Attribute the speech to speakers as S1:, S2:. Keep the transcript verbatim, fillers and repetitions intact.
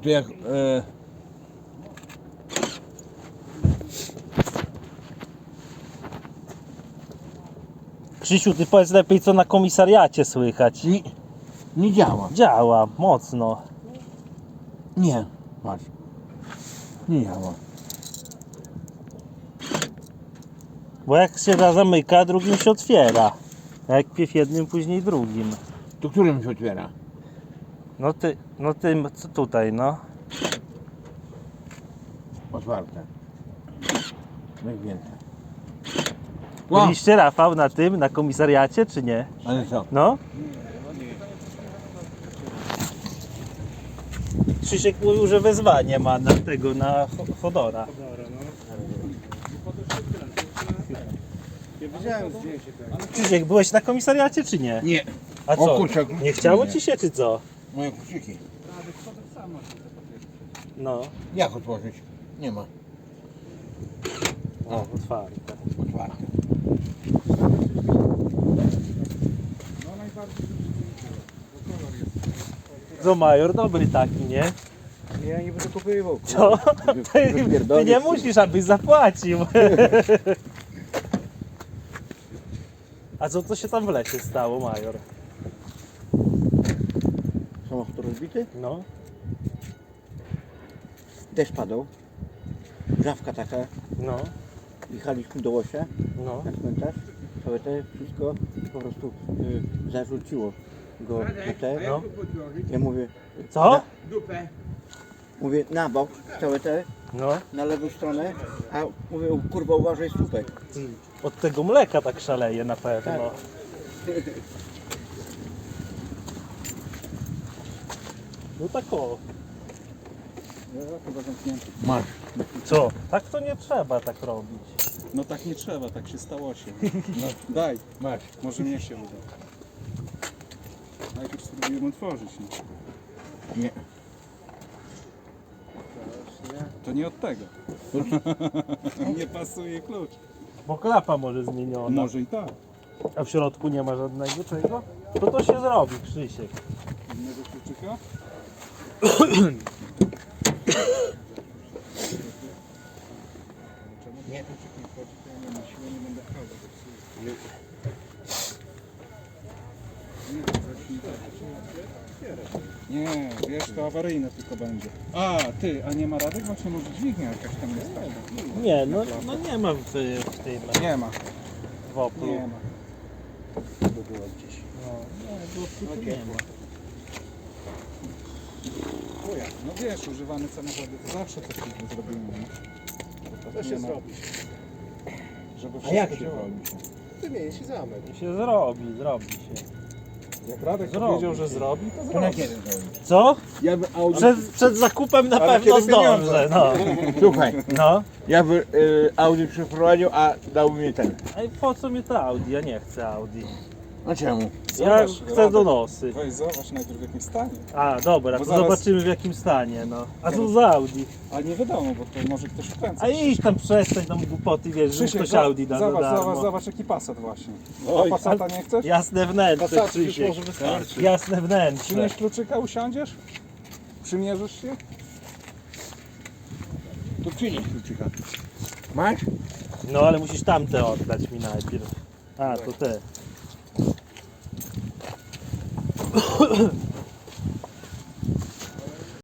S1: to jak... E...
S2: Krzysiu, ty powiedz lepiej, co na komisariacie słychać.
S1: Nie, nie działa.
S2: Działa, mocno.
S1: Nie, patrz. Nie działa.
S2: Bo jak się da zamyka, drugim się otwiera. A jak pierw jednym, później drugim.
S1: To którym się otwiera?
S2: No ty, no ty, co tutaj, no?
S1: Otwarte. Zamknięte.
S2: Byliście, Rafał, na tym, na komisariacie, czy nie?
S1: Ale co?
S2: No? Krzysiek mówił, że wezwanie ma na tego, na Cho- Chodora.
S3: Ja widziałem zdjęcie tego.
S2: Krzysiek, byłeś na komisariacie, czy nie?
S1: Nie.
S2: A
S1: O
S2: co?
S1: kurczę,
S2: Nie chciało
S1: nie.
S2: ci się, czy co?
S1: Moje kluczyki.
S2: No.
S1: Jak otworzyć? Nie ma.
S2: O, otwarte.
S1: Otwarte.
S3: No najbardziej bo kolor jest.
S2: Co, major, dobry taki, nie?
S3: Ja nie będę kupował.
S2: Co? Ty, ty nie musisz, abyś zapłacił. A co, co się tam w lesie stało, major?
S4: Samochód rozbity,
S2: No.
S4: deszcz padał, żawka taka,
S2: No.
S4: jechaliśmy do Łosia
S2: No.
S4: na cmentarz, całe te wszystko po prostu y, zarzuciło go na te.
S2: No.
S4: Ja mówię,
S2: Co?
S4: mówię na bok, całe te,
S2: No.
S4: na lewą stronę, a mówię, kurwa uważaj słupek.
S2: Ty, od tego mleka tak szaleje na pewno. No tak o.
S3: Chyba zamknięty.
S1: Masz.
S2: Co? Tak to nie trzeba tak robić.
S3: No tak nie trzeba, tak się stało się. No, daj,
S1: Masz.
S3: może mnie się uda. Najpierw spróbujemy otworzyć. Nie?
S1: Nie.
S3: To nie od tego. Nie pasuje klucz.
S2: Bo klapa może zmieniona.
S3: Może i tak.
S2: A w środku nie ma żadnego czego? To to się zrobi, Krzysiek.
S3: Innego kluczyka? Nie. Kluczyk nie wchodzi, to ja nie na siłę nie będę pchał, bo zepsuję. Nie, Nie, wiesz, to awaryjne tylko będzie. A, ty, a nie ma Radek? Właśnie może dźwignia jakaś tam jest taka.
S2: Nie, no, no nie ma w, w tym
S3: Nie ma,
S2: w Oplu.
S3: nie ma.
S2: by było gdzieś. No, nie, w Oplu to nie ma.
S3: O jak, no wiesz, używane samochody to zawsze coś takiego zrobimy, nie? To się zrobi. Żeby
S4: A jak
S3: wszystko
S4: się
S3: działało.
S4: Wymieni się zamek.
S2: I się zrobi, zrobi się.
S3: Jak Radek
S2: Zrobi
S3: powiedział, że
S2: się.
S3: zrobi, to
S1: To na
S3: zrobi.
S1: kiedy zrobić?
S2: Co?
S1: Ja by Audi...
S2: Przed, przed zakupem na
S3: Ale
S2: pewno
S3: kiedy pieniądze?
S2: zdążę, no.
S1: Słuchaj,
S2: No.
S1: ja by y, Audi przeprowadził, a dał mi ten.
S2: Ej, po co mi to Audi? Ja nie chcę Audi.
S1: A czemu?
S2: Ja
S3: Zobacz,
S2: chcę
S3: Radek,
S2: donosy.
S3: Weź zobacz najpierw w jakim stanie.
S2: A, dobra,
S3: Bo
S2: to
S3: zaraz-
S2: zobaczymy w jakim stanie, no. A co za Audi?
S3: A nie wiadomo, bo to może ktoś wkręca.
S2: A idź tam przestań tam głupoty, wiesz, że
S3: Krzysiek,
S2: ktoś
S3: za-
S2: Audi da za
S3: zobacz,
S2: darmo.
S3: zobacz, zobacz jaki Passat właśnie.
S2: Oj,
S3: A Passata nie chcesz?
S2: Jasne wnętrze,
S4: Passat już
S2: Krzysiek.
S4: może wystarczy.
S2: Jasne wnętrze.
S3: Przynieś kluczyka, usiądziesz? Przymierzysz się?
S1: To przynieś kluczyka. Masz?
S2: No ale musisz tamte oddać mi najpierw. A, to te.